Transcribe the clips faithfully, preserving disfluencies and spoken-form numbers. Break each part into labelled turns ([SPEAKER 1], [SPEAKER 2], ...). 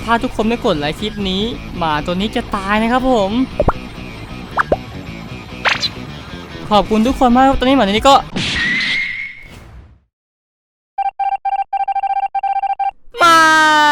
[SPEAKER 1] ถ้าทุกคนไม่กดไลค์คลิปนี้หมาตัวนี้จะตายนะครับผมขอบคุณทุกคนมากตอนนี้หมาตัวนี้ก็ไม่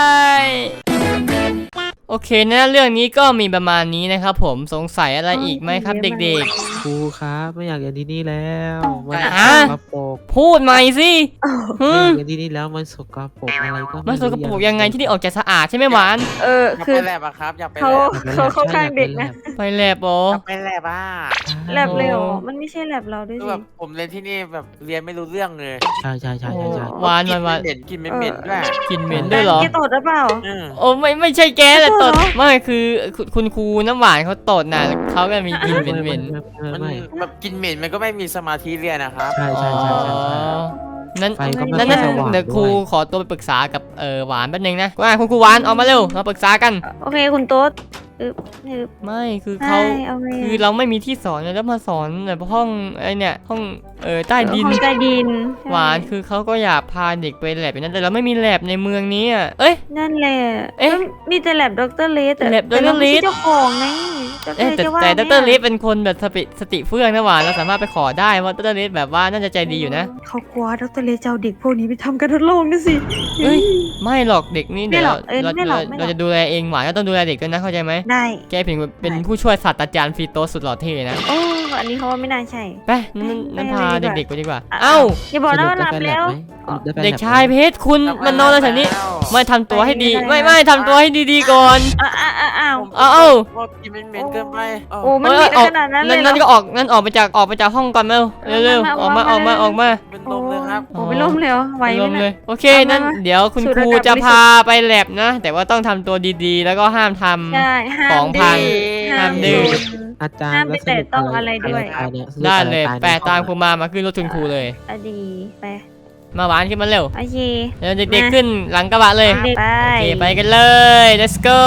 [SPEAKER 1] โอเคนะเรื่องนี้ก็มีประมาณนี้นะครับผมสงสัยอะไรอีกไหมครับเด็ก
[SPEAKER 2] ๆครูครับไม่อยากเรียนที่นี่แล้วมันสกปรก
[SPEAKER 1] พูดใหม่สิ
[SPEAKER 2] ไม่อยากเรียนที่นี่แล้วมันสกปรกอะไรก็
[SPEAKER 1] มันสกปรกยังไงที่นี่ออกจะสะอาดใช่ไหมหวาน
[SPEAKER 3] เออคือ
[SPEAKER 4] ไปแลบอะครับอยากไปแล
[SPEAKER 3] เขา
[SPEAKER 4] บ
[SPEAKER 3] เขาเข้าข้างเด็กนะ
[SPEAKER 1] ไปแลบอ๋อ
[SPEAKER 4] ไปแลบอ่ะ
[SPEAKER 3] แลบเลยเหรอมันไม่ใช่แลบเราด้วยสิ
[SPEAKER 4] แบบผมเรียนที่นี่แบบเรียนไม่รู้เรื่องเลย
[SPEAKER 2] ใช่ใช่ใช่ใช่
[SPEAKER 1] หวานหวานหวาน
[SPEAKER 4] เหม็นกินเหม็นด้วย
[SPEAKER 1] กินเหม็นด้วยเหรอ
[SPEAKER 3] แกตดหรือเปล่า
[SPEAKER 1] โอ้ไม่ไม่ใช่แกแหละตดไม่คือคุณครูน้ำหวานเขาตดนะเขาแบบมีกินเหม็นเหม็น
[SPEAKER 4] มันแบบกินเหม็นมันก็ไม่มีสมาธิเรียนนะครับ
[SPEAKER 2] ใช่ใช่ใช่ใช่
[SPEAKER 1] นั้นนั้นนั้นเดี๋ยวครูขอตัวไปปรึกษากับเออหวานแป๊บนึงนะว่าคุณครูหวานออกมาเร็วมาปรึกษากัน
[SPEAKER 3] โอเคคุณโต๊ด
[SPEAKER 1] ไม่คือเขาคือเราไม่มีที่สอนแล้วมาสอนแบบห้องไอเนี่ยห้องเออใต้ดิน
[SPEAKER 3] ห้องใต้ดิน
[SPEAKER 1] หวานคือเขาก็อยากพาเด็กไปแลบนั้นแต่เราไม่มีแลบในเมืองนี้อ่ะเอ้ย
[SPEAKER 3] นั่นแหละเอ๊ะมีแต่แลบด็อกเตอร์เลส
[SPEAKER 1] แลบด็อกเตอร์เลส
[SPEAKER 3] เจ้าของไง
[SPEAKER 1] แต่แต่ด็อกเตอร์เลสเป็นคนแบบสติสติเฟื่องนะหวานเราสามารถไปขอได้ว่าด็อกเตอร์เลสแบบว่าน่าจะใจดีอยู่นะ
[SPEAKER 3] เขากลัวด็อกเตอร์เลสจะเอาเด็กพวกนี้ไปทำการทดลองนะสิ
[SPEAKER 1] เฮ้ยไม่หรอกเด็กนี่เดี๋ยวเราเราจะดูแลเองหวานก็ต้องดูแลเด็กด้วยนะเข้าใจไหม
[SPEAKER 3] ได้
[SPEAKER 1] แกเพียงเป็นผู้ช่วยศาสตราจารย์ฟีโตสุดหล่อเท่นะ
[SPEAKER 3] โอ้อันนี้เขาว่าไม่น่าใช่
[SPEAKER 1] ไปนั่นพาเด็กๆไปดีกว่าเอ้า
[SPEAKER 3] อย่าบอกนะว่าหลับแล้ว
[SPEAKER 1] เด็กชายเพชรคุณมันนอนแล้วแถวนี้ไม่ทำตัวให้ดีไม่ไม่ทำตัวให้ดีๆก่อน
[SPEAKER 3] อ้าวอ้าว
[SPEAKER 4] อ้าวกินเหม็นเกินไป
[SPEAKER 3] โอ้มันขนาดนั้นเลย
[SPEAKER 1] นั่นก็ออกนั่นออกไปจากออกไปจากห้องก่อนเร็วเร็วออกมาออกมาออกมา
[SPEAKER 4] เป็นลมเลยครับ
[SPEAKER 3] โอ้เป็นลมเลยไหวไหม
[SPEAKER 1] เลยโอเคนั่นเดี๋ยวคุณครูจะพาไปแลบนะแต่ว่าต้องทำตัวดีๆแล้วก็ห้ามทำของพังห้ามดื้อ
[SPEAKER 2] อาจารย์
[SPEAKER 3] ห้ามไปแตะต้องอะไรด้วย
[SPEAKER 1] ได้เลยแปะตามครูมามาขึ้นรถคุณครูเลย
[SPEAKER 3] อดีไป
[SPEAKER 1] มาหวานขึ้นมาเร็ว
[SPEAKER 3] โอเค
[SPEAKER 1] เดี๋ยวเด็กๆขึ้นหลังกระบะเลย
[SPEAKER 3] ไป
[SPEAKER 1] โอเคไปกันเลย let's go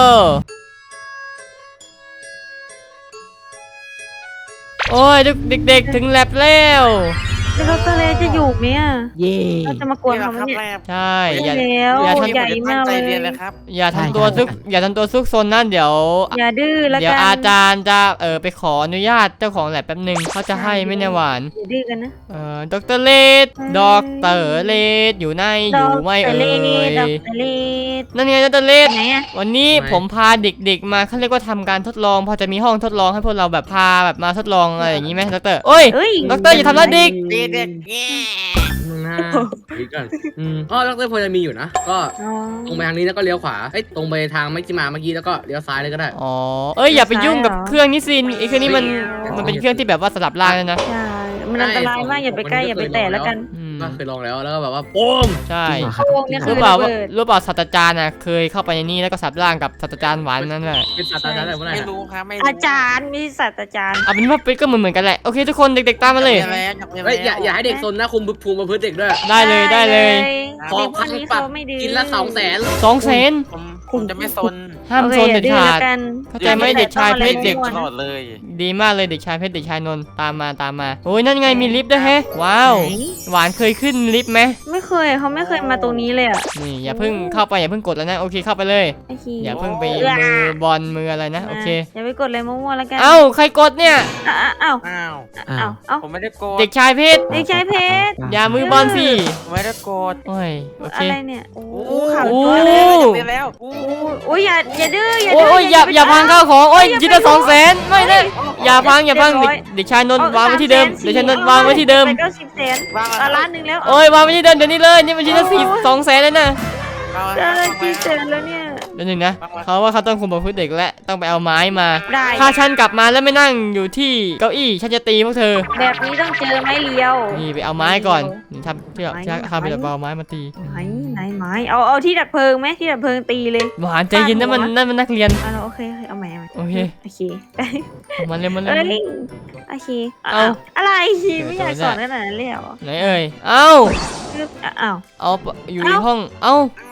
[SPEAKER 1] โอ้ยเด็กๆถึงแลบแล้ว
[SPEAKER 3] ด็อกเตอร์เลจะอยู่ไหมอ่ะ
[SPEAKER 2] เย่
[SPEAKER 3] จะมากวนเขาไหมเนี่ย
[SPEAKER 1] ใช่
[SPEAKER 3] อย่าอย่าทำใหญ่มากเลย
[SPEAKER 1] อย่าทำตัวซุกอย่าทำตัวซุกซนนั่นเดี๋ยว
[SPEAKER 3] อย่าดื้อแล้วกัน
[SPEAKER 1] เดี๋ยวอาจารย์จะเออไปขออนุญาตเจ้าของแลบแป๊บนึงเขาจะให้ไม่แน่หวาน
[SPEAKER 3] อย่าดื้อกันนะ
[SPEAKER 1] เออด็อกเตอร์เลดด็อกเตอร์เลดอยู่ในอยู่ไม่เอ่ยนั่นไงด็อกเตอร์เลดวันนี้ผมพาเด็กๆมาเขาเรียกว่าทำการทดลองพอจะมีห้องทดลองให้พวกเราแบบพาแบบมาทดลองอะไรอย่างนี้ไหมด็อกเตอร์โอ้ยด็อกเตอร์อย่าทำร้ายเด็ก
[SPEAKER 4] เด็ก
[SPEAKER 5] นะดีก่อนอ๋อดรพลจะมีอยู่นะก็ตรงไปทางนี้แล้วก็เลี้ยวขวาเอ้ยตรงไปทางไม่ที่มาเมื่อกี้แล้วก็เลี้ยวซ้ายเลยก็ได้
[SPEAKER 1] อ๋อเอ้ยอย่าไปยุ่งกับเครื่องนี้สิไอ้เครื่องนี้มันมันเป็นเครื่องที่แบบว่าสลับล่างเลยนะ
[SPEAKER 3] ใช่มันอันตรายมากอย่าไปใกล้อย่าไปแตะแล้วกัน
[SPEAKER 5] ก็เคยลองแล้วแล้วก็แบบว่าโป้ง
[SPEAKER 1] ใช่รู้เปล่ารู้เปล่าศาสตราจารย์น่ะเคยเข้าไปในนี้แล้วก็สลับล่างกับศาสตราจารย์หวานนั่นแหละ
[SPEAKER 5] เป็นศาสตราจารย์อะไร
[SPEAKER 4] ไม่รู้ครับไม่
[SPEAKER 3] อาจารย์มีศาสตราจารย์
[SPEAKER 1] เอาเป็นว่าเป็นก็เหมือนเหมือนกันแหละโอเคทุกคนเด็กๆตามมาเลย
[SPEAKER 5] เฮ้ยอย่าอย่าให้เด็กซนนะคุมภูมิประพฤติเด็กด้วย
[SPEAKER 1] ได้เลยได้เลย
[SPEAKER 5] ขอพันปรับกินละสองแสน
[SPEAKER 1] สองแสน
[SPEAKER 4] ผมจะไม่ซน
[SPEAKER 1] ห้ามซนเด็ดขาดเข้าใจไหมเด็กชายเพชรเด็ก
[SPEAKER 4] ตลอดเลย
[SPEAKER 1] ดีมากเลยเด็กชายเพชรเด็กชายนนท์ตามมาตามมาโอ้ยนั่นไงมีลิฟต์ด้วยแฮะว้าวหวานเคยขึ้นลิฟต์ไหม
[SPEAKER 3] ไม่เคยเขาไม่เคยมาตรงนี้เลยอ่ะ
[SPEAKER 1] นี่อย่าเพิ่งเข้าไปอย่าเพิ่งกดแล้วนะโอเคเข้าไปเลยอย่าเพิ่งไปมือบอลมืออะไรนะโอเค
[SPEAKER 3] อย่าไปกดอะไรมั่วๆแล้วกัน
[SPEAKER 1] เอ้าใครกดเนี่ย
[SPEAKER 3] อ้าว
[SPEAKER 4] อ้าว
[SPEAKER 3] อ้าวอ้าว
[SPEAKER 4] ผมไม่ได้กด
[SPEAKER 1] เด็กชายเพชร
[SPEAKER 3] เด็กชายเพชร
[SPEAKER 1] อย่ามือบอลสิ
[SPEAKER 4] ไม่ได้กด
[SPEAKER 1] โอ้ยโอเค
[SPEAKER 3] อะไรเนี่ยโอ้
[SPEAKER 1] ข่าว
[SPEAKER 4] แล้ว
[SPEAKER 3] โอ้ยอย่าอย่าดื้ออย่า
[SPEAKER 1] ดื้อโอ้ยอย่าอย่าพังข้าวของโอ้ยจิตละสองแสนไม่ได้อย่าพังอย่าพังเด็กชายนนท์วางไว้ที่เดิมเด็กชายนนท์วางไว้ที่เดิม
[SPEAKER 3] ก็สิบแสนล้านหนึ่งแล้ว
[SPEAKER 1] โอ้ยวางไว้ที่เดิมเดี๋ยวนี้เลยนี่มันชิ้นละสี่สองแสนเลยนะ
[SPEAKER 3] ได้กี่แสนแล้วเนี่ย
[SPEAKER 1] เดี๋ยวหนึ่งนะเขาว่าเขาต้องคุมประพฤติเด็กและต้องไปเอาไม้มาถ้าฉันกลับมาแล้วไม่นั่งอยู่ที่เก้าอี้ฉันจะตีพวกเธอ
[SPEAKER 3] แบบนี้ต้องเจอไม้เลียว
[SPEAKER 1] นี่ไปเอาไม้ก่อนทำที่แบบทำไปแบบเอาไม้มาตี
[SPEAKER 3] ไหนไหนไม้เอาเอาที่ดับเพลิงไหมที่ดับเพลิงตีเลย
[SPEAKER 1] หวานใจเย็นนั่นมันนั่นมันนักเรียน
[SPEAKER 3] อ่ะโอเคเอาใหม่
[SPEAKER 1] โอเค
[SPEAKER 3] โอเค
[SPEAKER 1] มันเร็วมันเร็ว
[SPEAKER 3] โอเคเอาอะไรไม่อยากสอนขนาดนั้นเลยเหรอ
[SPEAKER 1] ไหนเอ่ยเอ้า
[SPEAKER 3] เอ้า
[SPEAKER 1] เอาอยู่ในห้องเอ้า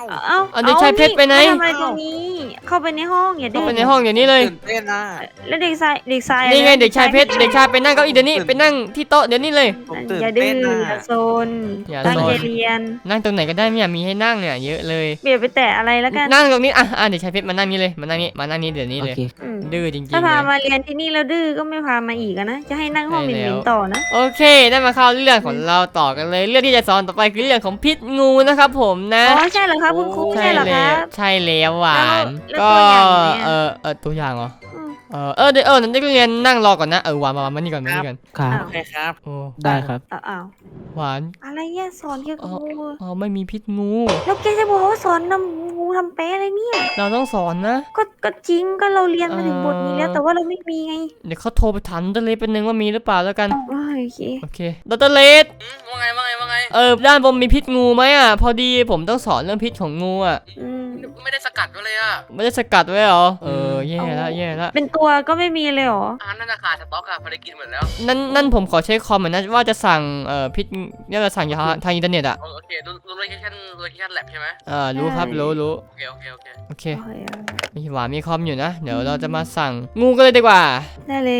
[SPEAKER 3] เอ้า
[SPEAKER 1] เอาเด็กชายเพชรไปไหน
[SPEAKER 3] ทำอะไรตรงนี้ เข้าไปในห้องอย่าดื้
[SPEAKER 1] เข้า
[SPEAKER 3] อ
[SPEAKER 1] ไปในห้องอย่างนี้เลย
[SPEAKER 4] ตื่นเต้นนะ
[SPEAKER 3] แล้วเด็กชายเด็กชาย
[SPEAKER 1] นี่ไงเด็กชายเพชรเด็กชายไปนั่งเก้าอี้เดี๋ยวนี้ไปนั่งที่โต๊ะเดี๋ยวนี้เลย
[SPEAKER 4] ผมตื่น
[SPEAKER 3] อย่าดื้
[SPEAKER 4] เต้
[SPEAKER 3] อน
[SPEAKER 4] นะ
[SPEAKER 3] อย่าโซน
[SPEAKER 1] อย่า
[SPEAKER 3] ตั้ง
[SPEAKER 1] โซ
[SPEAKER 3] ใจ
[SPEAKER 1] น
[SPEAKER 3] เรียน
[SPEAKER 1] นั่งตรงไหนก็ได้ไม่อยากมีให้นั่งเนี่ยเยอะเลย
[SPEAKER 3] เบียดไปแตะอะไรแล้วกัน
[SPEAKER 1] นั่งตรงนี้อ่ะอ่ะเด็กชายเพชรมานั่งนี่เลยมานั่งนี่มานั่งนี่เดี๋ยวนี้
[SPEAKER 2] โอ
[SPEAKER 1] เลย
[SPEAKER 2] เค
[SPEAKER 3] อืม
[SPEAKER 1] ดื้อจริงๆ
[SPEAKER 3] ถ้าพา
[SPEAKER 1] เลย
[SPEAKER 3] มาเรียนที่นี่แล้วดื้อก็ไม่พามาอีกอะนะจะให้นั่งห้องห
[SPEAKER 1] ใช่แล้ว
[SPEAKER 3] มิ่นๆต่อนะ
[SPEAKER 1] โอเคได้มาเข้าเรื่องของเราต่อกันเลย เรื่องที่จะสอนต่อไปคือเรื่องของพิษงูนะครับผมนะ
[SPEAKER 3] อ๋อใช่เหรอครับคุณครูใช่เหรอค
[SPEAKER 1] แล้
[SPEAKER 3] รั
[SPEAKER 1] ว
[SPEAKER 3] บ
[SPEAKER 1] ใช่แล้วหวาน
[SPEAKER 3] แล้ว
[SPEAKER 1] ก็
[SPEAKER 3] ตัวอย่างไหนอะ
[SPEAKER 1] เออเออตัวอย่างเหรอ
[SPEAKER 3] อืม
[SPEAKER 1] เออเออเดี๋ยวเออนักเรียนนั่งรอก่อนนะเออหวานมามามานี่ก่อนมานี่ก่อน
[SPEAKER 2] ครับ
[SPEAKER 4] โอเคครับ
[SPEAKER 1] โอ้
[SPEAKER 2] ได้ครับ
[SPEAKER 3] อ้าวอ้าว
[SPEAKER 1] หวาน
[SPEAKER 3] อะไรเนี่ยสอนเกี่ยวกับงู
[SPEAKER 1] อ๋อไม่มีพิษงู
[SPEAKER 3] แล้วแกจะบอกว่าสอนนำงูทำแป๊ะอะไรเนี่ย
[SPEAKER 1] เราต้องสอนนะ
[SPEAKER 3] ก็ก็จริงก็เราเรียนมาถึงบทนี้แล้ว
[SPEAKER 1] เออ
[SPEAKER 3] แต่ว่าเราไม่มีไง
[SPEAKER 1] เดี๋ยวเขาโทรไปถามดรเลสเป็นหนึ่งว่ามีหรือเปล่าแล้วกัน
[SPEAKER 3] อ้าวโอเค
[SPEAKER 1] โอเคดรเลส
[SPEAKER 5] อืมว่าไงว่าไงว่าไง
[SPEAKER 1] เออด้านบนมีพิษงูไหมอ่ะพอดีผมต้องสอนเรื่องพิษของงูอ่ะ
[SPEAKER 3] อืม
[SPEAKER 5] ไม่ได้สกัดไว้เลยอ่ะ
[SPEAKER 1] ไม่ได้สกัดไว้เหรอเออแย่ละแย่ละ
[SPEAKER 3] เป็นตัวก็ไม่มีเลยเหรอ
[SPEAKER 5] อาหารนั่นราคาสต็อกอะพอได้กินหมดแล้ว
[SPEAKER 1] นั่นนั่นผมขอเช็คคอมเหมือนนะว่าจะสั่งเอ่อพิษเนี่ยจะสั่งทางทางอินเทอร์เน็ตอ่ะ
[SPEAKER 5] โอเครู้รู้โลเคชั่นโลเคชั่นแลบใช่ไหม
[SPEAKER 1] เออรู้ครับรู้รู้
[SPEAKER 5] โอเคโอเคโอเค
[SPEAKER 1] โอเค
[SPEAKER 3] โอเค
[SPEAKER 1] มีหวานมีคอมอยู่นะ เดี๋ยวเราจะมาสั่งงูกันเลยดีกว่า
[SPEAKER 3] ได้เลย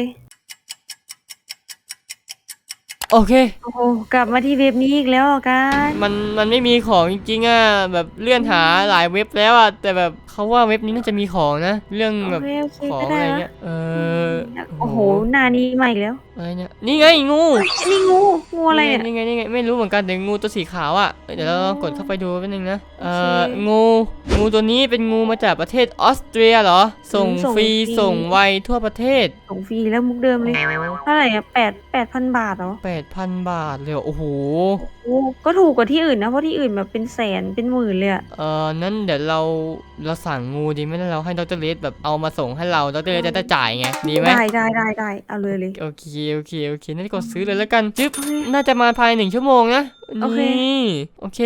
[SPEAKER 1] โอเค
[SPEAKER 3] โอ้โหกลับมาที่เว็บนี้อีกแล้วเหรอกัน
[SPEAKER 1] มันมันไม่มีของจริงๆอ่ะแบบเลื่อนหาหลายเว็บแล้วอ่ะแต่แบบเขาว่าเว็บนี้น่าจะมีของนะ เรื่อง
[SPEAKER 3] โอ
[SPEAKER 1] แบบ
[SPEAKER 3] เคโอเค
[SPEAKER 1] ของ
[SPEAKER 3] ก็
[SPEAKER 1] อะ
[SPEAKER 3] ได้
[SPEAKER 1] ไร
[SPEAKER 3] ละ
[SPEAKER 1] เงี้ยเออ
[SPEAKER 3] โอ้โหหน้านี้มาอีกแล้ว
[SPEAKER 1] อะไรเนี่ยนี่ไงงู
[SPEAKER 3] อันนี้งูงูอะไรเนี่ย
[SPEAKER 1] นี่ไงนี่ไงไม่รู้เหมือนกันแต่งูตัวสีขาวอ่ะเอ้ยเดี๋ยวเราลองกดเข้าไปดูแป๊บนึงนะเออ
[SPEAKER 3] โอเค
[SPEAKER 1] งูงูตัวนี้เป็นงูมาจากประเทศออสเตรียเหรอส่ง
[SPEAKER 3] อืมส่ง
[SPEAKER 1] ฟรี
[SPEAKER 3] ฟรี
[SPEAKER 1] ส่งไวทั่วประเทศ
[SPEAKER 3] ส่งฟรีแล้วมุกเดิมเลยเท่าไหร่อะแปดแปดพันบาทเหรอ
[SPEAKER 1] แปดพันบาทเลยเหรอโอ้โห
[SPEAKER 3] โอ้ก็ถูกกว่าที่อื่นนะเพราะที่อื่นแบบเป็นแสนเป็นหมื่นเลยอะ
[SPEAKER 1] เออนั้นเดี๋ยวเราเราสั่งงูดีไหมแล้วเราให้ดรเลสแบบเอามาส่งให้เราดรเลสจะได้จ่ายไงดีไหม
[SPEAKER 3] ได้ได้ได้ได้เอาเลยเลย
[SPEAKER 1] โอเคโอเคโอเคนั่นกดซื้อเลยแล้วกันจึ๊บน่าจะมาภายในหนึ่งชั่วโมงนะ
[SPEAKER 3] โอเค
[SPEAKER 1] นี่โอเค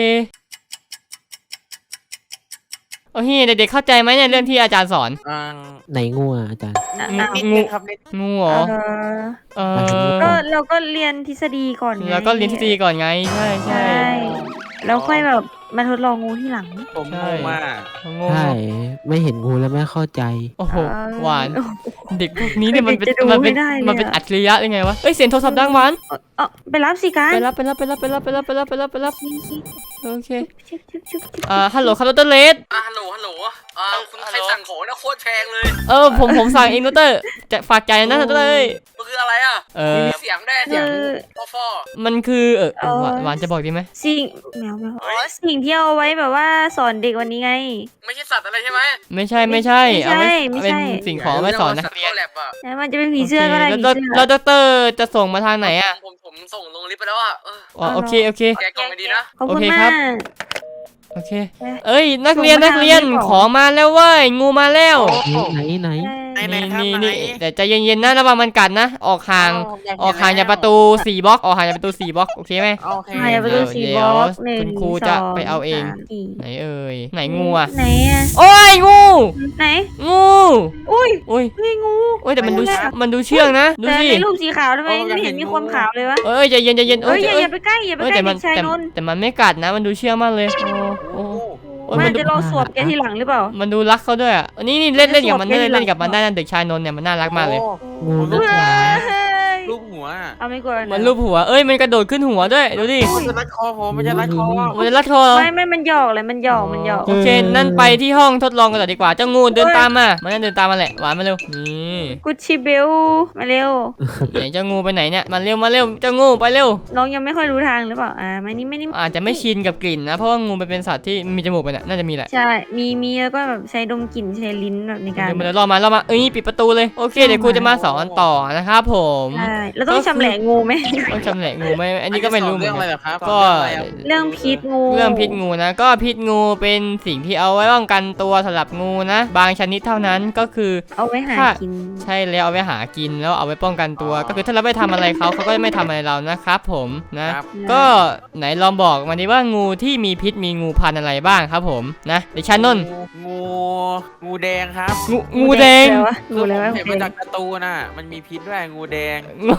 [SPEAKER 1] โอเคเด็กๆเข้าใจไหมเนี่ยเรื่องที่อาจารย์สอน
[SPEAKER 4] อ่า
[SPEAKER 2] ไหนงูอ่ะอาจารย์
[SPEAKER 3] อ่ะ
[SPEAKER 1] งู
[SPEAKER 3] อ่ะ
[SPEAKER 4] นิด
[SPEAKER 1] งู
[SPEAKER 4] นึงครับนิด
[SPEAKER 1] งูเหรอ
[SPEAKER 3] เออ
[SPEAKER 1] เอ
[SPEAKER 2] หมายถึง
[SPEAKER 1] อ
[SPEAKER 2] งู
[SPEAKER 3] ก็เราก็เรียนทฤษฎีก่อนไง
[SPEAKER 1] แล้วก็เรียนทฤษฎีก่อนไงใช่ใช่
[SPEAKER 3] ใช่แล้วค่อยแบบมาทดลองงูที่หลัง
[SPEAKER 4] ผมงงมาก
[SPEAKER 1] งู
[SPEAKER 2] ใช่ไม่เห็นงูแล้วไม่เข้าใจ
[SPEAKER 1] โอ้โห
[SPEAKER 3] เออ
[SPEAKER 1] หวานเด็กพวกนี้เนี่ยมันเป็น
[SPEAKER 3] เด็กจะดู
[SPEAKER 1] มันเป็น
[SPEAKER 3] ไม่ได้เลยอะ
[SPEAKER 1] มันเป็นอัจฉริยะยังไงวะเอ้ยเสียงโทรศัพท์ดังหวาน
[SPEAKER 3] เออเออไปรับสิการ
[SPEAKER 1] ไปรับไปรับไปรับไปรับไปรับไปรับไปรับไปรับ
[SPEAKER 3] นี่สิ
[SPEAKER 1] โอเค
[SPEAKER 3] ชุบชุบชุบชุบ
[SPEAKER 1] อ่าฮัลโหลครับดรเลส
[SPEAKER 5] อ่ะฮัลโหลฮัลโหลอ่าคุณใครสั่งของนะโคตรแพงเลย
[SPEAKER 1] เออผมผมสั่งเองดรจะฝากใจนะดรเลย
[SPEAKER 5] มันคืออะไรอ่ะ
[SPEAKER 1] เออ
[SPEAKER 5] มีเสียงได้เสียงฟอฟอ
[SPEAKER 1] มันคือเออเออหวานหวานจะบอกดีไหม
[SPEAKER 3] สิ่งแมวแมวอ๋อสิ่งที่เอาไว้แบบว่าสอนเด็กวันนี้ไง
[SPEAKER 5] ไม่ใช่สัตว์อะไรใช่ไหม
[SPEAKER 1] ไม่ใช่ไม่ใช่
[SPEAKER 3] ไม่ใช่
[SPEAKER 1] เอาไว้
[SPEAKER 3] ไม่ใช่
[SPEAKER 1] เป็นสิ่งของไว้สอนนัก
[SPEAKER 5] สัตว์
[SPEAKER 1] เรียน
[SPEAKER 5] เข้าแลบอ่ะ
[SPEAKER 3] แล้วมันจะเป็นผีเสื้อก็ได้
[SPEAKER 1] โอ
[SPEAKER 3] ผี
[SPEAKER 1] เคแล้ว
[SPEAKER 3] เสื้อ
[SPEAKER 1] แล้วดรจะส่งมาทางไหนอ่ะ
[SPEAKER 5] ผมผมส่งลงลิฟต์ไปแล้วอ่ะเออ
[SPEAKER 1] อ๋อโอเคโอเค
[SPEAKER 5] แกะกล่องไปดีนะ
[SPEAKER 3] ขอบคุณ
[SPEAKER 1] โอเคค
[SPEAKER 3] มา
[SPEAKER 1] รับ
[SPEAKER 3] ก
[SPEAKER 1] โอเค เอ้ยนักเรียน
[SPEAKER 3] ส่งมา
[SPEAKER 1] นักเรียน
[SPEAKER 3] ทางนี้ก่อน
[SPEAKER 1] ของมาแล้วเว้ยงูมาแล้ว
[SPEAKER 2] ไหนไหน
[SPEAKER 4] ไหนไหน
[SPEAKER 1] นี่
[SPEAKER 4] ครับ
[SPEAKER 1] นี่
[SPEAKER 4] ไหน
[SPEAKER 1] นี่แต่ใจเย็นๆนะระวังมันกัดนะ ออกห่าง ออกห่างจากประตูสี่บล็อกออกห่างจากประตูสี่บล็อกโอเคไหม
[SPEAKER 4] โอเค
[SPEAKER 3] หายไปดูสี่
[SPEAKER 1] เดี๋
[SPEAKER 3] บ
[SPEAKER 1] ยว
[SPEAKER 3] ล็อกหนึ่ง
[SPEAKER 1] คุณครูจะไปเอาเอง
[SPEAKER 3] สมสี่
[SPEAKER 1] ไหนเอ่ยไหนงูอ่ะ
[SPEAKER 3] ไหนอะ
[SPEAKER 1] โอ้ยงู
[SPEAKER 3] ไหน
[SPEAKER 1] งู
[SPEAKER 3] อุ้ย
[SPEAKER 1] อุ้ย
[SPEAKER 3] เฮ้ยงู
[SPEAKER 1] โอ้ยแต่มันดูมันดูเชื่องนะดู
[SPEAKER 3] แต่
[SPEAKER 1] สิ
[SPEAKER 3] ในรูปสีขาวทำไมไม่เห็นมีความขาวเลยวะ
[SPEAKER 1] เอ้ยใจเย็นใจเย็น
[SPEAKER 3] เอ้ยอย่า
[SPEAKER 1] เอ้
[SPEAKER 3] อย่าไปใกล้อย่าไป
[SPEAKER 1] เอ้ย
[SPEAKER 3] ใกล้
[SPEAKER 1] แต่มั
[SPEAKER 3] เด็
[SPEAKER 1] น
[SPEAKER 3] กชาย
[SPEAKER 1] แต่
[SPEAKER 3] นนท์
[SPEAKER 1] แต่มันไม่กัดนะ มันดูเชื่องมากเลยโอ้
[SPEAKER 4] โอ้
[SPEAKER 1] โห
[SPEAKER 4] โห
[SPEAKER 1] โอ้ย
[SPEAKER 3] มั
[SPEAKER 1] มัน นดู
[SPEAKER 3] จะรอสวบแกทีหลังหรือเปล่า
[SPEAKER 1] มันดูรักเขาด้วยอ่ะนี่นี่เล่นเล่นกับมัน
[SPEAKER 3] สวบ
[SPEAKER 1] เล่น
[SPEAKER 3] แก
[SPEAKER 1] เล่น
[SPEAKER 3] ทีหลัง
[SPEAKER 1] กับมันได้นะเด็กชายนนท์เนี่ยมันน่ารักมากเลย
[SPEAKER 2] งู
[SPEAKER 4] ลู
[SPEAKER 2] ลู
[SPEAKER 4] ก
[SPEAKER 2] กหมา
[SPEAKER 4] ลูกหัว
[SPEAKER 3] เอาไม่กลัว
[SPEAKER 1] มันรูปหัวเอ้ยมันกระโดดขึ้นหัวด้วยดูดิ
[SPEAKER 4] มันจะรัดคอผมมันจะรัดคอ
[SPEAKER 1] มันจะรัดคอ
[SPEAKER 3] ไม่ไม่มันหยอกเลยมันหยอกมันหยอก
[SPEAKER 1] โอเคนั่นไปที่ห้องทดลองกันต่อดีกว่าเจ้างูเดินตามมามันนั่นเดินตามมาแหละหวานมาเร็วนี่
[SPEAKER 3] กุชชิเบลมาเร็ว
[SPEAKER 1] ไหนเจ้างูไปไหนเนี่ยมาเร็วมาเร็วเจ้างูไปเร็ว
[SPEAKER 3] น้องยังไม่ค่อยรู้ทางหรือเปล่าอ่ามานี่ไม่นี่
[SPEAKER 1] อาจจะไม่ชินกับกลิ่นนะเพราะว่างูมันเป็นสัตว์ที่มีจมูกไปน่ะน่าจะมีแหละ
[SPEAKER 3] ใช่มีมีแล้วก็แบบใช้ดมกลิ่นใช้ลิ้นแบบในการ
[SPEAKER 1] เดี๋ยวมันเดี๋ยวรอมาเรามาเอ้ยปิดประตูเลยโอเคเดี๋ยวครูจะมาสอนต่อนะครับผม
[SPEAKER 3] ใช่แล้วต้องชำแหละงูไหม
[SPEAKER 1] ต้องจำแหนกงูไหมอันนี้ก็ไม่รู้เหมื
[SPEAKER 4] เรื่
[SPEAKER 1] อ
[SPEAKER 4] อน ง
[SPEAKER 1] กั
[SPEAKER 4] อะไร
[SPEAKER 1] น
[SPEAKER 4] เหรอครับ
[SPEAKER 1] ก็
[SPEAKER 3] เรื่องพิษงู
[SPEAKER 1] เรื่องพิษงูนะก็พิษงูเป็นสิ่งที่เอาไว้ป้องกันตัวสำหรับงูนะ บางชนิดเท่านั้นก็คือ
[SPEAKER 3] เอาไว้หา
[SPEAKER 1] ค่ะ
[SPEAKER 3] กิน
[SPEAKER 1] ใช่แล้วเอาไว้หากินแล้วเอาไว้ป้องกันตัว ก็คือถ้าเราไม่ทำอะไรเขาเขาก็ไม่ทำอะไรเรานะครับผมนะครับ ก็ไหนลองบอกมาดิว่างูที่มีพิษมีงูพันธุ์อะไรบ้างครับผมนะเด็กชานนท์
[SPEAKER 4] งูงูแดงครับ
[SPEAKER 1] งูงูแดง
[SPEAKER 3] อะไรวะงูอะไรวะ
[SPEAKER 4] เห็นมาจากการ์ตูนน่ะมันมีพิษด้วยงูแดง
[SPEAKER 1] งู
[SPEAKER 3] งูแด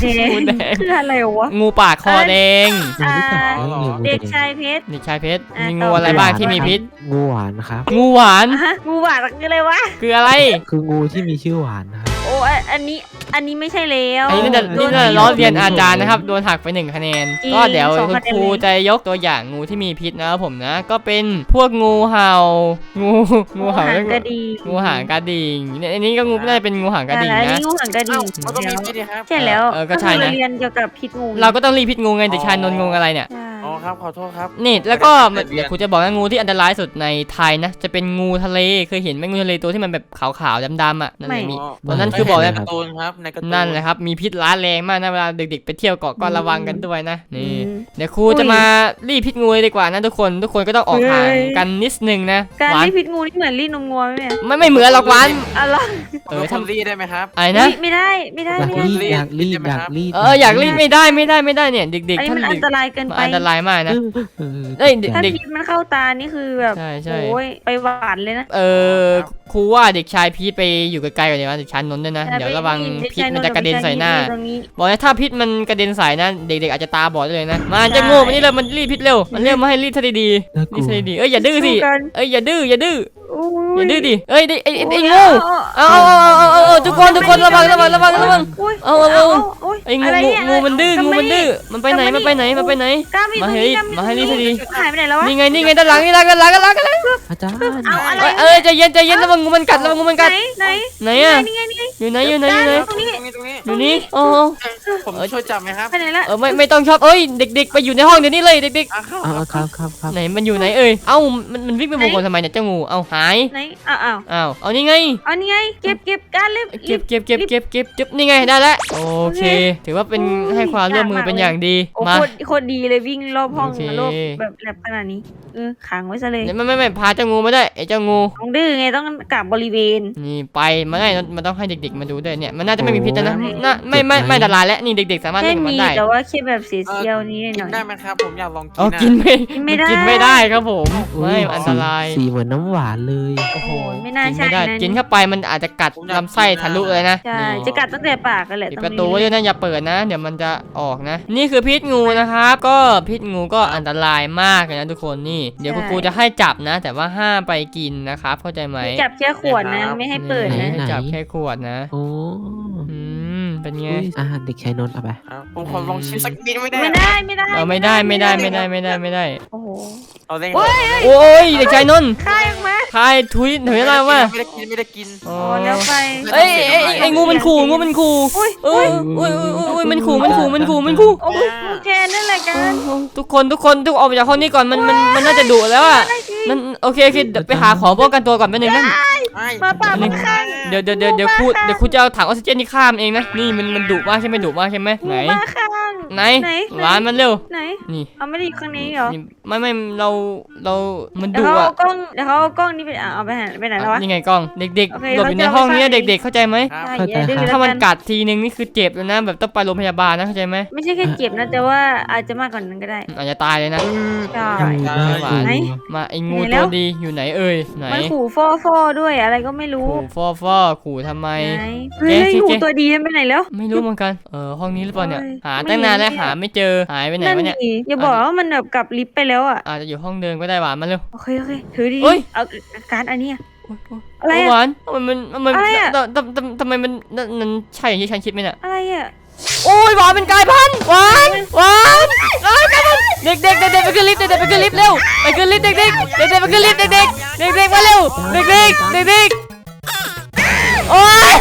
[SPEAKER 1] งูแดง
[SPEAKER 3] คืออะไรวะ
[SPEAKER 1] งูปากคอแดง
[SPEAKER 3] อ่า
[SPEAKER 2] อ๋อ
[SPEAKER 3] เด็กชายเพชร
[SPEAKER 1] เด็กชายเพชร
[SPEAKER 3] อ่ะ
[SPEAKER 1] มี
[SPEAKER 3] ต่
[SPEAKER 1] งู
[SPEAKER 3] อ
[SPEAKER 1] อะไรบ้างที่มีพิษ
[SPEAKER 2] งูหวานครับ
[SPEAKER 1] งูหวาน
[SPEAKER 3] ฮะงูหวานคืออะไรวะ
[SPEAKER 1] คืออะไร
[SPEAKER 2] คืองูที่มีชื่อหวานนะครับ
[SPEAKER 3] โอ้อันอันนี้อันนี้ไม่ใช่แล้ว
[SPEAKER 1] อันนี้น่าจะ
[SPEAKER 3] โด
[SPEAKER 1] นี่
[SPEAKER 3] น
[SPEAKER 1] น่าจะ
[SPEAKER 3] ตี
[SPEAKER 1] ล้อเรียนอาจารย์นะครับโดนหักไปหนึ่งคะแนน
[SPEAKER 3] จริง
[SPEAKER 1] ก็เดี๋ยว
[SPEAKER 3] สอง
[SPEAKER 1] คุณ
[SPEAKER 3] คะแนน
[SPEAKER 1] ครูจะยกตัวอย่างงูที่มีพิษนะครับผมนะ ก็เป็นพวกงูเห่างูงูเห่า
[SPEAKER 3] หางกระดี
[SPEAKER 1] งูหางกระดิ่งเนี่ยอันนี้ก็งูน่าจะเป็นงูหางกระดิ่ง
[SPEAKER 3] อัน
[SPEAKER 1] นะ
[SPEAKER 3] นี้งูหางกระดิ่
[SPEAKER 4] เอ้าง มันก็มีพิษดีครับ
[SPEAKER 3] ใช่แล้ว
[SPEAKER 1] เออก็ใช่นะ
[SPEAKER 3] คือเราเรียนเกี่ยวกับพิษงู
[SPEAKER 1] เราก็ต้องรีบพิษงูไงเด็กชายนนท์งงอะไรเนี่ย
[SPEAKER 3] ใช่
[SPEAKER 4] อ๋อครับขอโทษครับ
[SPEAKER 1] นี่แล้วก็
[SPEAKER 4] เรียน
[SPEAKER 1] เดี๋ยวครูจะบอกว่างูที่อันตรายสุดในไทยนะจะเป็นงูทะเลเคยเห็นไหมงูทะเลตัวที่มันแบบขาวๆดำๆอ่ะนั่นแหละมี ตัวนั้นคือบอกแล้ว
[SPEAKER 4] ในการ์ตูนครับในการ์ตูน
[SPEAKER 1] นั่นแหละครับมีพิษร้ายแรงมากนะเวลาเด็กๆไปเที่ยวเกาะก็ระวังกันด้วยนะ
[SPEAKER 3] อื
[SPEAKER 1] นี่
[SPEAKER 3] ม
[SPEAKER 1] เดี๋ยวครูจะมารีบพิษงูเลยดีกว่านะทุกคนทุกคนก็ต้องออกห่าง
[SPEAKER 3] เฮ้ย
[SPEAKER 1] กันนิดนึงนะ
[SPEAKER 3] การ
[SPEAKER 1] หวาน
[SPEAKER 3] ที่พิษงูนี่เหมือนรีดนมงัวไหมเนี่ย
[SPEAKER 1] ไม่ไม่เหมือนหรอกหวาน
[SPEAKER 3] อะไร
[SPEAKER 1] เออ
[SPEAKER 4] ทำ
[SPEAKER 1] ทำ
[SPEAKER 4] รีดได้ไหมครับ
[SPEAKER 1] อะไรนะ
[SPEAKER 3] อุ๊ยไม่ได้ไม่ได้
[SPEAKER 2] อยาก
[SPEAKER 3] ไม่ได้
[SPEAKER 2] รีดอยากรีดอยากรีด
[SPEAKER 1] เอออยากรีดไม่ได้ไม่ได้ไม่ได้เนี่ยเด็ก
[SPEAKER 3] อัน
[SPEAKER 1] ๆ
[SPEAKER 3] นี้
[SPEAKER 1] ท่าน
[SPEAKER 3] มันอั
[SPEAKER 1] เด็
[SPEAKER 3] น
[SPEAKER 1] ก
[SPEAKER 3] ตรายเกิน
[SPEAKER 1] มัน
[SPEAKER 3] ไป
[SPEAKER 1] อันตรายมากนะ
[SPEAKER 2] เออ
[SPEAKER 1] เอ้ย
[SPEAKER 3] ถ้า
[SPEAKER 1] เด็ก
[SPEAKER 3] พิษมันเข้าตานี่คือแบบ
[SPEAKER 1] ใช่ใช่
[SPEAKER 3] โอ้ยไปหวานเลยนะ
[SPEAKER 1] เออครูว่าเด็กชายพีทไปอยู่ไกลๆกว่านี้ว่าเด็กชายนนท์ด้วยนะเดี๋ยวระวังพิษมันจะกระเด็นใส่หน้า
[SPEAKER 3] ตรงนี้
[SPEAKER 1] บอกเลยถ้าพิษมันกระเด็นใส่นะเด็กๆอาจจะตาบอดได้เลยนะมาจะโง่มันนี่เลยมันรีดพิษเร็วมันเรียกมาให้รีดซะดี
[SPEAKER 2] น่า
[SPEAKER 1] ๆ
[SPEAKER 2] ก
[SPEAKER 1] รี
[SPEAKER 2] ลั
[SPEAKER 1] ด
[SPEAKER 2] ว
[SPEAKER 1] ซะดีๆเอ้ยอย่าดื้อสิ
[SPEAKER 3] สู้กัน
[SPEAKER 1] เอ้ยอย่าดื้ออย่าดื้อ
[SPEAKER 3] โอ้
[SPEAKER 1] อย่าดื้อดิเอ้ยไอ้ไอ้ไอ้
[SPEAKER 3] โอ้ย
[SPEAKER 1] งู
[SPEAKER 3] เอา
[SPEAKER 1] เอาเอาเอาเอาเอาทุกคนทุกคนระวังระวังระวังระวัง
[SPEAKER 3] โย
[SPEAKER 1] เอาเอาเอา
[SPEAKER 3] โอ้ย
[SPEAKER 1] ไอ้งู
[SPEAKER 3] ะร
[SPEAKER 1] งู
[SPEAKER 3] เย
[SPEAKER 1] งูมันดื้อ
[SPEAKER 3] ทำ
[SPEAKER 1] งู
[SPEAKER 3] ไ
[SPEAKER 1] มันดื้อมันไปไหนมันไปไหนมันไปไหน
[SPEAKER 3] กล้ามี
[SPEAKER 1] มา
[SPEAKER 3] ตรง
[SPEAKER 1] ให้
[SPEAKER 3] นี้กล้
[SPEAKER 1] มาให้รีดซะดี
[SPEAKER 3] หายไปไหนแล้ววะ
[SPEAKER 1] นี่ไงนี่ไงด้านหลังนี่ด้านหลังด้านหลังด้านหลัง
[SPEAKER 2] อาจารย์
[SPEAKER 3] เอาอะไร
[SPEAKER 1] เอ้ยใจเย็นใจเย็นระวังงูมันกัดระวังงูมัน
[SPEAKER 3] ไหน
[SPEAKER 1] กัด
[SPEAKER 3] ไหน
[SPEAKER 1] ไหนอะ
[SPEAKER 3] นี่ไงนี่ไง
[SPEAKER 1] อยู่ไหนอยู่ไหนอยู่ไหน
[SPEAKER 3] ตรงนี้
[SPEAKER 4] ตรงนี้ตรงนี้
[SPEAKER 1] อยู่นี่โอ้
[SPEAKER 4] ผมช่วยจับไหมครับ
[SPEAKER 3] ไปไหนละ
[SPEAKER 1] เออไม่ไม่ต้องชอบเอ้ยเด็ก ๆ ไปอยู่ในห้องเดี๋ยวนี้เลยเด็ก
[SPEAKER 4] อ่ะเข้า
[SPEAKER 2] เอาเอาครับครับครับ
[SPEAKER 1] ๆไหนมันอยู่ไหนเอ้ยเอ้ามันมันวิ่งไปวงกลมทำไมเนี่ยเจ้างูเอ้าหาย
[SPEAKER 3] ไหนอ้าวอ้าว
[SPEAKER 1] อ้าวเอานี่ไง
[SPEAKER 3] เอานี่ไงเก็บเก็บการเล็บ
[SPEAKER 1] เก็บเก็บเก็บเก็บเก็บจุ๊บนี่ไงได้แล้วโอเค ถือว่าเป็นให้ความร่วมมือเป็นอย่างดี
[SPEAKER 3] โอ้
[SPEAKER 1] มา
[SPEAKER 3] โคตรโคตรดีเลยวิ่งรอบห้อง
[SPEAKER 1] โอเค
[SPEAKER 3] รอบแบบแบบขนาดนี้เออขังไว้ซะเลย
[SPEAKER 1] เนี่ยไม่ไม่ไม่พาเจ้างูมาด้วยไอ้เจ้างู
[SPEAKER 3] ต้องดื้อไงต้องกลับบริเวณ
[SPEAKER 1] นี่ไปมาได้มันต้องให้เด็กๆมาดูด้วยเนี่ยมันน่าจะไม่มีพิษแล้วนะน่าไม่ไม่ไม่อันตรายแล้วนี่เด็กๆสามารถ
[SPEAKER 3] แค่
[SPEAKER 1] เล่นกับมั
[SPEAKER 3] มี
[SPEAKER 1] นได้
[SPEAKER 3] แต่ว่าแค่แบบเสียเซียวนี้ห
[SPEAKER 4] กิ
[SPEAKER 3] น่อน ย
[SPEAKER 4] ได้ไหมครับ ผมอยากลองกิน
[SPEAKER 1] เอา
[SPEAKER 4] อะ
[SPEAKER 1] กินไม่
[SPEAKER 3] กินไม่ได้
[SPEAKER 1] กินไม่ได้ครับผม
[SPEAKER 2] อุ๊
[SPEAKER 1] ไม่อันตราย
[SPEAKER 2] สีสีเหมือนน้ำหวานเลย
[SPEAKER 1] โอ้โห
[SPEAKER 3] โอ้ยไม่น่า
[SPEAKER 1] กิน
[SPEAKER 3] ใช่
[SPEAKER 1] ไม่ได้
[SPEAKER 3] นะ
[SPEAKER 1] กินเข้าไปมันอาจจะกัดลำไส้ทะลุเลยนะ
[SPEAKER 3] ใช่
[SPEAKER 1] นี่
[SPEAKER 3] จะกัดตั้งแต่ปากกันแหละ
[SPEAKER 1] ปิด
[SPEAKER 3] ตรง
[SPEAKER 1] ประ
[SPEAKER 3] นี้
[SPEAKER 1] ตูไว้ด้วยนะอย่าเปิดนะ เดี๋ยวมันจะออกนะ นี่คือพิษงูนะครับก็พิษงูก็อันตรายมากเลยนะทุกคนนี่เดี๋ยวคุณครูจะให้จับนะ แต่ว่าห้ามไปกินนะครับเข้าใจไหม
[SPEAKER 3] จับแค่ขวดนะไม่ให้เปิด
[SPEAKER 1] นี่
[SPEAKER 3] นะ
[SPEAKER 1] ให้จับแค่ขวดนะ
[SPEAKER 2] โอ้
[SPEAKER 1] อืมเป็นไง
[SPEAKER 2] อุ๊ยอาหารเด็กชายนนท์เอาไป
[SPEAKER 4] อ่ะผมขอลองชิมสักนิดไม่ได้
[SPEAKER 3] ไม่ได้ไม่ได้
[SPEAKER 1] เออไม่ได้ไม่ได้ไม่ได้ไม่ได้ไม่ได้
[SPEAKER 3] โอ้โห
[SPEAKER 4] เอาเล่น
[SPEAKER 3] โอ้ย
[SPEAKER 1] โอ้ยเด็กชายนนท์
[SPEAKER 3] คายออกมา
[SPEAKER 1] ทายทุยถุยอะไรวะ
[SPEAKER 4] ไม่ได้กินไม่ได้กิน
[SPEAKER 1] อ๋อ
[SPEAKER 3] โอ้แล้วไป
[SPEAKER 1] เอ้ยเอ้ยไอ้งูมันขู่งูมันขู่
[SPEAKER 3] อุ้ย
[SPEAKER 1] เอออุ้ยอุ้ยอุ้ยมันขู่มันขู่มันขู่มันขู่
[SPEAKER 3] โอ้ยแกนั่นแหละกัน
[SPEAKER 1] ทุกคนทุกคนทุกออกไปจากห้องนี้ก่อนมันมันมันน่าจะดุแล้วอ่ะมันโอเคโอเคเดี๋ยวไปหาของป้องกันตัวก่อนแป๊บนึงนะ
[SPEAKER 4] ไม่
[SPEAKER 3] มาป่ามันข้าง
[SPEAKER 1] เดี๋ยวเดี๋ยวเดี๋ยวเดี๋ยวครูเดี๋ยวครูจะเอาถังออกซิเจนนี่ข้ามเองนะนี่มันมันดุมากใช่ไหมดุมากใช่ไหมไหน
[SPEAKER 3] มาข้าง
[SPEAKER 1] ไหน
[SPEAKER 3] ไหน
[SPEAKER 1] หวานมันเร็ว
[SPEAKER 3] ไหน
[SPEAKER 1] นี่
[SPEAKER 3] เอาไม่ได้อยู่ข้างนี้เหรอ
[SPEAKER 1] นี่ไม่ไม่เราเรามัน
[SPEAKER 3] เดี๋ยว
[SPEAKER 1] ดุ
[SPEAKER 3] เขา
[SPEAKER 1] อ่ะ
[SPEAKER 3] เอากล้องเดี๋ยวเขาเอากล้องนี้ไปเอาไปไหนไปไหนแล้ววะ
[SPEAKER 1] นี่ไงกล้องเด็ก
[SPEAKER 3] โอเค
[SPEAKER 1] ๆหลบอยู่ใน
[SPEAKER 3] เขาจะ
[SPEAKER 1] ห้องนี้
[SPEAKER 3] เอาไป
[SPEAKER 1] เด็ก ๆ เข้าใจไหม
[SPEAKER 4] ครับ
[SPEAKER 3] ใช่
[SPEAKER 2] เข้าใจ
[SPEAKER 3] อย่าดื้อ
[SPEAKER 2] ครับ
[SPEAKER 3] แล้ว
[SPEAKER 1] ถ้ามัน
[SPEAKER 3] กัน
[SPEAKER 1] กัดทีนึงนี่คือเจ็บแล้วนะแบบต้องไปโรงพยาบาลนะเข้าใจไหม
[SPEAKER 3] ไม่ใช่แค่เจ็บนะแต่ว่าอาจจะมากกว่านั้นก็ได้
[SPEAKER 1] อาจจะตายเลยนะ
[SPEAKER 3] ใช่
[SPEAKER 2] น่ากลัว
[SPEAKER 3] ไหน
[SPEAKER 1] มาไอ้งู
[SPEAKER 3] ไหนแล้
[SPEAKER 1] ตัว วดีอยู่ไหนเอ่ยไหน
[SPEAKER 3] มันขู่ฟอฟอด้วยอะไรก็ไม่รู้
[SPEAKER 1] ขู่ฟอฟอขู่ทำไม
[SPEAKER 3] ไหนเฮ้ย
[SPEAKER 1] แกสิ
[SPEAKER 3] งู
[SPEAKER 1] แก
[SPEAKER 3] ตัวดีมันไปไหนแล้ว
[SPEAKER 1] ไม่รู้เหมือนกันเออห้องนี้หรือเปล่าเนี่ย
[SPEAKER 3] โอ้ย
[SPEAKER 1] หา
[SPEAKER 3] ไม่
[SPEAKER 1] ตั้งนานแล้ว
[SPEAKER 3] เห็น
[SPEAKER 1] หาไม่เจอหายไปไหน
[SPEAKER 3] นั่น
[SPEAKER 1] วะเนี่ย
[SPEAKER 3] ดิอย่าบอกว่ามันแบบกลับลิฟต์ไปแล้วอ่ะ
[SPEAKER 1] อาจจะอยู่ห้องเดิมก็ได้หวานมาเร็ว
[SPEAKER 3] โอเคโอเคถือดี
[SPEAKER 1] เฮ้ย
[SPEAKER 3] เอาการ์ดอันเนี้ย
[SPEAKER 1] โอ๊ยโอ๊ย
[SPEAKER 3] อะไรอะ
[SPEAKER 1] หวานทำไมมันทำไม
[SPEAKER 3] อะไรอะ
[SPEAKER 1] ทำทำทำไมมันนั่นมันใช่อย่างที่ฉันคิดไหมเนี่ย
[SPEAKER 3] อะไรอ่ะ
[SPEAKER 1] โอ้ยหวานเป็นกลายพันธุ์หวานหวานเอ้ยกลายพันธุ์เด็กเด็กเด็กเด็กไปขึ้นลิฟต์เด็กเด็กไปขึ้นลิฟต์เร็วไปขึ้นลิฟต์เด็กเด็กเด็กเด็กไปขึ้นลิฟต์เด็กเด็กเด็กเด็กมาเร็วเด็กเด็กเด็กเด็กโอ้ย